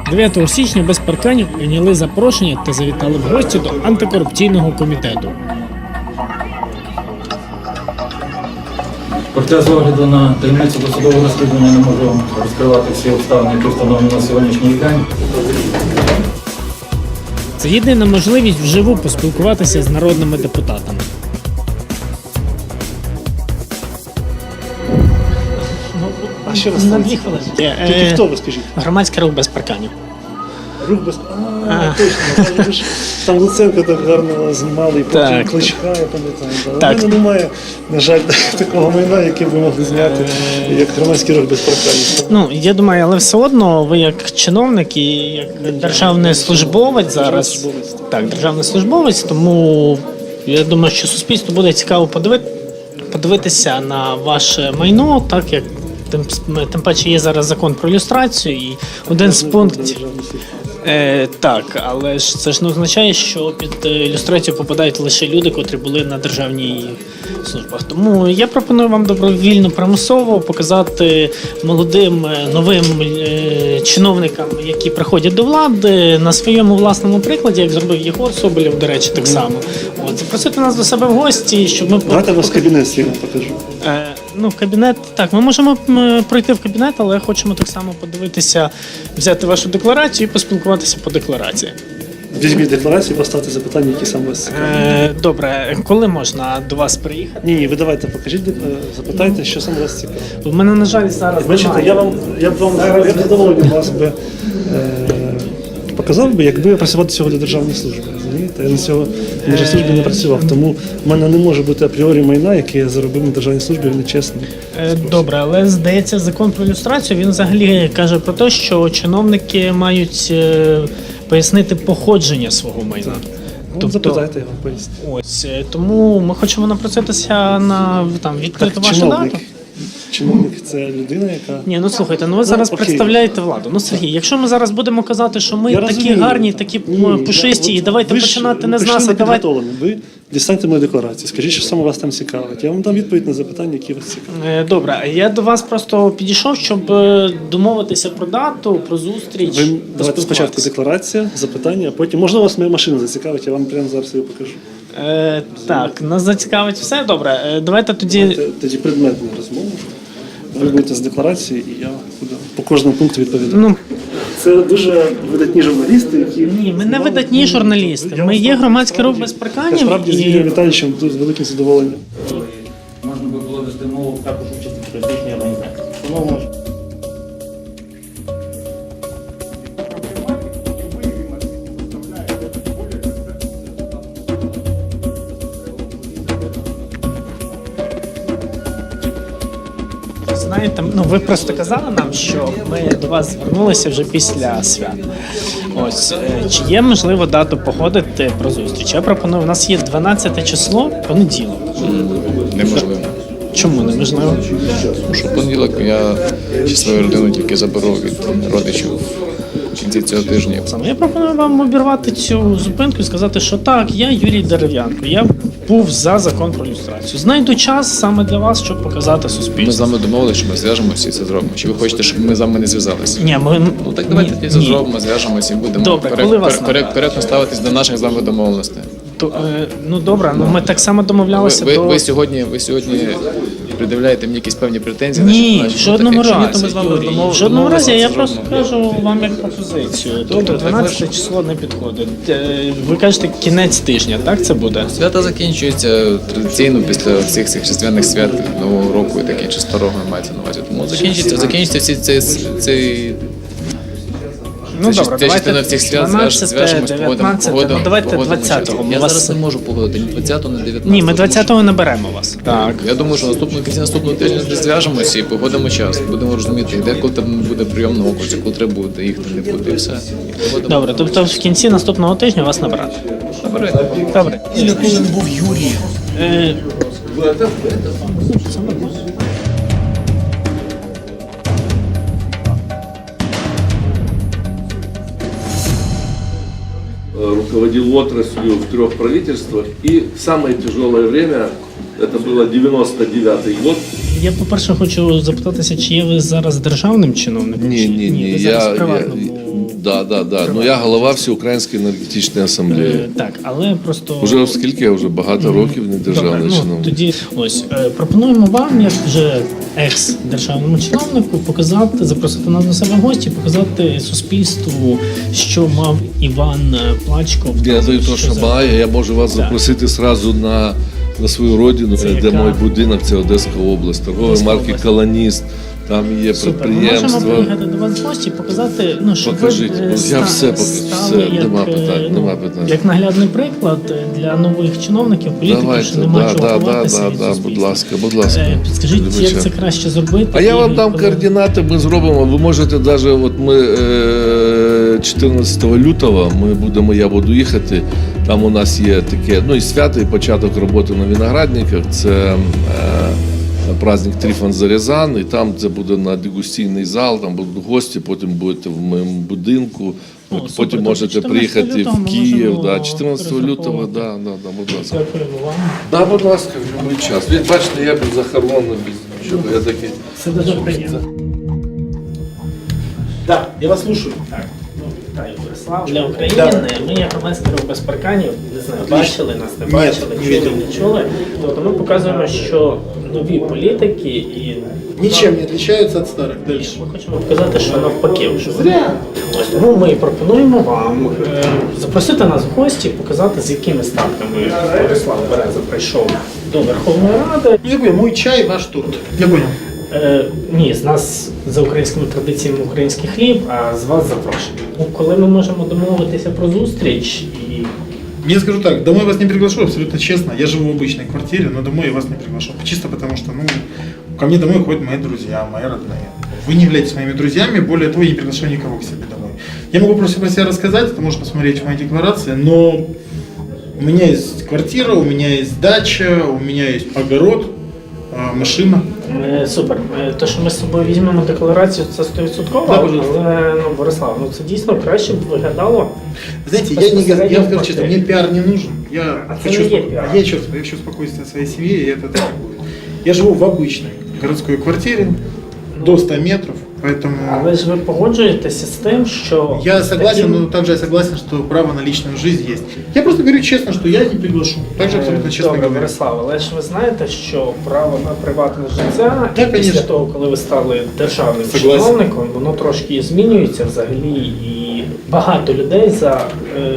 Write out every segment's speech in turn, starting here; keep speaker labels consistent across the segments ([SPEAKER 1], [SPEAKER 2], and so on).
[SPEAKER 1] 9 січня без парканів прийняли запрошення та завітали в гості до антикорупційного комітету.
[SPEAKER 2] Проте, з огляду на таємницю досудового розслідування, не можу розкривати всі обставини, які встановлені на сьогоднішній день.
[SPEAKER 1] Це єдина можливість вживу поспілкуватися з народними депутатами.
[SPEAKER 3] А ще раз
[SPEAKER 1] На 2 хвилини.
[SPEAKER 3] Тільки хто ви, скажіть?
[SPEAKER 1] Громадський рух без парканів.
[SPEAKER 3] Рух без... Точно. Ви ж там Луценка так гарно знімали, і потім
[SPEAKER 1] Так.
[SPEAKER 3] Кличка, я пам'ятаю. У
[SPEAKER 1] Так.
[SPEAKER 3] мене немає, на жаль, такого майна, яке ви могли зняти, як громадський рух без парканів.
[SPEAKER 1] Ну, я думаю, але все одно ви як чиновник і як державний службовець зараз.
[SPEAKER 3] Держслужбовець.
[SPEAKER 1] Так, державний службовець, тому я думаю, що суспільству буде цікаво подивитися на ваше майно, так як тим паче є зараз закон про люстрацію, і один з пунктів. Так, але ж це ж не означає, що під ілюстрацію попадають лише люди, котрі були на державній службах. Тому я пропоную вам добровільно, примусово показати молодим, новим чиновникам, які приходять до влади, на своєму власному прикладі, як зробив Єгор Соболєв, до речі, так само. От, запросити нас до себе в гості, щоб ми...
[SPEAKER 3] Давайте вас кабінет свій покажу.
[SPEAKER 1] Ну, кабінет, так, ми можемо пройти в кабінет, але хочемо так само подивитися, взяти вашу декларацію і поспілкуватися по декларації.
[SPEAKER 3] Візьміть декларацію, поставте запитання, які саме вас цікавлять.
[SPEAKER 1] Добре, коли можна до вас приїхати?
[SPEAKER 3] Ні, ви давайте покажіть, запитайте, що саме вас цікавить.
[SPEAKER 1] У мене, на жаль, зараз
[SPEAKER 3] Бачите,
[SPEAKER 1] немає.
[SPEAKER 3] я б задоволений вас би показав би, якби я працював до цього для державної служби. Розумієте? Я на цього на державній службі не працював, тому в мене не може бути апріорі майна, яке я заробив на державній службі, нечесно.
[SPEAKER 1] Добре, але здається, закон про люстрацію, він взагалі каже про те, що чиновники мають пояснити походження свого майна.
[SPEAKER 3] Ну, запитайте, я вам поясню.
[SPEAKER 1] Ось, тому ми хочемо напроситися на відкрити вашу дату.
[SPEAKER 3] Чиновник – це людина, яка...
[SPEAKER 1] Ні, ну слухайте, ну ви зараз
[SPEAKER 3] окей.
[SPEAKER 1] представляєте владу. Ну, Сергій, якщо ми зараз будемо казати, що ми
[SPEAKER 3] Я
[SPEAKER 1] такі
[SPEAKER 3] розумію.
[SPEAKER 1] гарні, такі пушисті, і давайте
[SPEAKER 3] ви ж
[SPEAKER 1] починати не з
[SPEAKER 3] прийшли
[SPEAKER 1] нас, а давайте...
[SPEAKER 3] непідготовлені. Ви дістаньте мою декларацію, скажіть, що саме вас там цікавить. Я вам дам відповідь на запитання, які вас цікавлять.
[SPEAKER 1] Добре, я до вас просто підійшов, щоб домовитися про дату, про зустріч.
[SPEAKER 3] Ви давайте спочатку
[SPEAKER 1] поспілкуватися.
[SPEAKER 3] декларація, запитання, а потім, можливо, вас моя машина зацікавить, я вам прямо зараз її покажу.
[SPEAKER 1] Так, нас зацікавить все, добре. Давайте тоді...
[SPEAKER 3] Тоді предметну розмову. Ви будете з декларації, і я буду по кожному пункту відповідати.
[SPEAKER 1] Ну,
[SPEAKER 3] Це дуже видатні журналісти, які...
[SPEAKER 1] ні, ми не видатні журналісти. Ми є громадський рух без парканів.
[SPEAKER 3] Насправді, з Юрієм Віталійовичем тут з великим задоволенням.
[SPEAKER 2] Можна би було вести мову також участі в політичній організації. Тому може.
[SPEAKER 1] Знаєте, ну ви просто казали нам, що ми до вас звернулися вже після свят. Ось, чи є можливо дату походити про зустріч? Я пропоную, у нас є 12 число, понеділок.
[SPEAKER 4] Неможливо.
[SPEAKER 1] Чому неможливо?
[SPEAKER 4] Тому що в понеділок я ще свою родину тільки заберу від родичів в кінці цього тижня.
[SPEAKER 1] Я пропоную вам обірвати цю зупинку і сказати, що так, я Юрій Дерев'янко, я був за закон про люстрацію. Знайду час саме для вас, щоб показати
[SPEAKER 4] Ми з
[SPEAKER 1] суспільству.
[SPEAKER 4] вами домовилися, що ми зв'яжемося і це зробимо. Чи ви хочете, щоб ми з вами не зв'язалися?
[SPEAKER 1] Ні, ми...
[SPEAKER 4] Ну так давайте
[SPEAKER 1] ні,
[SPEAKER 4] тоді це
[SPEAKER 1] ні.
[SPEAKER 4] зробимо, зв'яжемося і будемо
[SPEAKER 1] Добре, коли вас набрати?
[SPEAKER 4] коректно ставитись до наших з вами домовленостей.
[SPEAKER 1] Ну добре, ну ми так само домовлялися
[SPEAKER 4] Ви сьогодні придивляєте мені якісь певні претензії?
[SPEAKER 1] Ні,
[SPEAKER 4] значить,
[SPEAKER 1] в жодному
[SPEAKER 4] таке, чи ні,
[SPEAKER 1] разі.
[SPEAKER 4] ми з вами
[SPEAKER 1] Юрій, в жодному разі я просто кажу вам як пропозицію. Тобто
[SPEAKER 4] так
[SPEAKER 1] 12 число не підходить. Ви кажете кінець тижня, так це буде?
[SPEAKER 4] Свята закінчуються традиційно після всіх цих різдвяних свят Нового року і таке, чи старого мається на увазі. Тому закінчиться всі цей
[SPEAKER 1] Ну
[SPEAKER 4] це
[SPEAKER 1] добре,
[SPEAKER 4] частина
[SPEAKER 1] давайте
[SPEAKER 4] всіх свят
[SPEAKER 1] 12,
[SPEAKER 4] зв'яжемось,
[SPEAKER 1] 19, ну давайте 20-го.
[SPEAKER 4] Я зараз не можу погодити ні 20-го, ні 19-го.
[SPEAKER 1] Ні, ми 20-го не беремо вас. Так.
[SPEAKER 4] Я думаю, що в кінці наступного тижня зв'яжемося і погодимо час. Будемо розуміти, де коли там буде прийом на окрузі, коли треба буде їхати, не буде, і все. І погодимо.
[SPEAKER 1] Добре, тобто в кінці наступного тижня вас набрати.
[SPEAKER 4] Добре.
[SPEAKER 1] Добре.
[SPEAKER 5] Ніколи не був Юрієм.
[SPEAKER 6] Руководил отраслью в 3 правительствах, и в самое тяжелое время, это было 99-й год.
[SPEAKER 1] Я, по-перше, хочу запитатися, чи є ви зараз державним чиновником?
[SPEAKER 4] Ні,
[SPEAKER 1] чи
[SPEAKER 4] ні, ні.
[SPEAKER 1] ви зараз в приватному...
[SPEAKER 5] Да. Ну я голова Всеукраїнської енергетичної асамблеї.
[SPEAKER 1] Так, але просто
[SPEAKER 5] Уже оскільки я вже багато років не державний
[SPEAKER 1] Добре,
[SPEAKER 5] чиновник.
[SPEAKER 1] Тоді ось пропонуємо вам, як вже екс-державному чиновнику, показати, запросити нас до себе в гості, показати суспільству, що мав Іван Плачков.
[SPEAKER 5] Я даю то, що має, я можу вас запросити сразу на свою родину,
[SPEAKER 1] Це
[SPEAKER 5] де
[SPEAKER 1] яка?
[SPEAKER 5] мій будинок, це Одеська область, торгової
[SPEAKER 1] Одеська
[SPEAKER 5] марки
[SPEAKER 1] область.
[SPEAKER 5] «Колоніст». Там є
[SPEAKER 1] Супер. Ми
[SPEAKER 5] підприємства.
[SPEAKER 1] можемо приїхати до вас в гості, показати, щоб
[SPEAKER 5] Покажіть,
[SPEAKER 1] ви
[SPEAKER 5] я все покажу,
[SPEAKER 1] стали
[SPEAKER 5] все,
[SPEAKER 1] як,
[SPEAKER 5] нема питань,
[SPEAKER 1] ну,
[SPEAKER 5] нема питань.
[SPEAKER 1] як наглядний приклад для нових чиновників, політиків, що немає чого ховатися від
[SPEAKER 5] будь
[SPEAKER 1] суспільства.
[SPEAKER 5] ласка, будь ласка.
[SPEAKER 1] Підскажіть, як
[SPEAKER 5] Вибачаю.
[SPEAKER 1] це краще зробити?
[SPEAKER 5] А я
[SPEAKER 1] і
[SPEAKER 5] вам дам
[SPEAKER 1] коли-
[SPEAKER 5] координати, ми зробимо. Ви можете навіть, от ми 14 лютого я буду їхати. Там у нас є таке, і свято, і початок роботи на виноградниках. Це праздник Трифон Зарязан, і там це буде на дегустійний зал, там будуть гості, потім будете в моєму будинку.
[SPEAKER 1] Супер.
[SPEAKER 5] Потім
[SPEAKER 1] Тобто
[SPEAKER 5] можете
[SPEAKER 1] 14
[SPEAKER 5] приїхати
[SPEAKER 1] лютого
[SPEAKER 5] в
[SPEAKER 1] ми
[SPEAKER 5] Київ.
[SPEAKER 1] можемо
[SPEAKER 5] 14 лютого,
[SPEAKER 1] розраховувати.
[SPEAKER 5] будь ласка.
[SPEAKER 1] Дякуємо вам.
[SPEAKER 5] Да, будь ласка, в будь-який час. Ви бачите, я без захоронений, без нічого. Я такий.
[SPEAKER 1] Це дуже приємно.
[SPEAKER 3] Да, я вас слушаю.
[SPEAKER 1] Так, вітаю, Борислав. Для України ми, як громадський рух без парканів, не знаю, бачили нас, не бачили,
[SPEAKER 3] не
[SPEAKER 1] чули,
[SPEAKER 3] видел.
[SPEAKER 1] не чули. Тобто ми показуємо, що нові політики і
[SPEAKER 3] Ничем не отличаются от старых. Дальше.
[SPEAKER 1] ми хочемо показати, що навпаки вже.
[SPEAKER 3] Зря.
[SPEAKER 1] Ось тому ми і пропонуємо вам запросити нас в гості, показати, з якими статками Борислав Береза прийшов до Верховної Ради.
[SPEAKER 3] Я понял, мой чай, ваш торт. Я понял.
[SPEAKER 1] Ні, з нас за українськими традиціями український хліб, а з вас запрошення. Коли ми можемо домовитися про зустріч і
[SPEAKER 7] Я скажу так, домой вас не приглашу, абсолютно честно. Я живу в обычной квартире, но домой я вас не приглашу. Чисто потому что, ко мне домой ходят мои друзья, мои родные. Вы не являетесь моими друзьями, более того, я не приглашаю никого к себе домой. Я могу просто про себя рассказать, это можно посмотреть в моей декларации, но у меня есть квартира, у меня есть дача, у меня есть огород, машина.
[SPEAKER 1] Супер. Те, що ми з собою візьмемо декларацію, це 100%,
[SPEAKER 7] Да, пожалуйста.
[SPEAKER 1] але Борислав, це дійсно краще б виглядало.
[SPEAKER 7] Знаете, я вам скажу честно, мне пиар не нужен. Я хочу,
[SPEAKER 1] не есть пиар.
[SPEAKER 7] я хочу спокойствия своей семье, и это так и будет. Я живу в обычной городской квартире, до 100 метров, поэтому...
[SPEAKER 1] Але ж ви погоджуєтеся з тим, що
[SPEAKER 7] Я согласен,
[SPEAKER 1] таким-
[SPEAKER 7] но также я согласен, что право на личную жизнь есть. Я просто говорю честно, что я не приглашу. Также абсолютно честно
[SPEAKER 1] Добре,
[SPEAKER 7] говорю.
[SPEAKER 1] Борислав, але ж ви знаєте, що право на приватне життя
[SPEAKER 7] Да,
[SPEAKER 1] після
[SPEAKER 7] конечно.
[SPEAKER 1] того, коли ви стали державним
[SPEAKER 7] Согласен.
[SPEAKER 1] чиновником, воно трошки змінюється взагалі, і багато людей за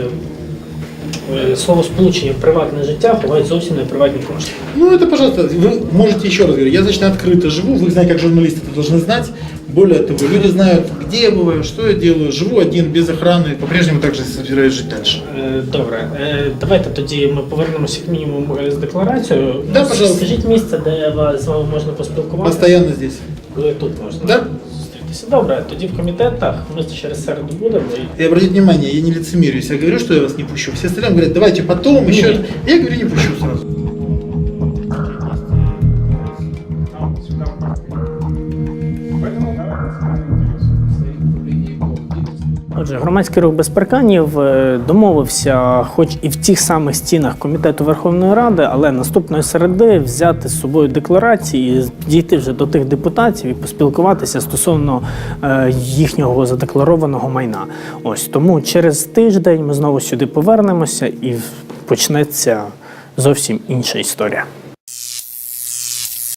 [SPEAKER 1] словосполучення приватне життя ховають зовсім не приватні кошти.
[SPEAKER 7] Ну это, пожалуйста, вы можете еще раз говорить. Я достаточно открыто живу, вы знаете, как журналисты это должны знать. Более того, люди знают, где я бываю, что я делаю. Живу один, без охраны, по-прежнему также собираюсь жить дальше.
[SPEAKER 1] Добре, давайте тоді ми повернемося як мінімум з декларацією.
[SPEAKER 7] Да, пожалуйста.
[SPEAKER 1] Скажіть місце, де з вами можна поспілкуватися.
[SPEAKER 7] Постоянно здесь.
[SPEAKER 1] Коли тут можна
[SPEAKER 7] Да.
[SPEAKER 1] зустрітися. Добре, тоді в комітетах ми через середу будемо.
[SPEAKER 7] И обратите внимание, я не лицемерю, если я говорю, что я вас не пущу. Все остальные говорят, давайте потом, еще. Я говорю, не пущу сразу.
[SPEAKER 1] Отже, громадський рух без парканів домовився, хоч і в тих самих стінах Комітету Верховної Ради, але наступної середи взяти з собою декларації, дійти вже до тих депутатів і поспілкуватися стосовно їхнього задекларованого майна. Ось тому через тиждень ми знову сюди повернемося і почнеться зовсім інша історія.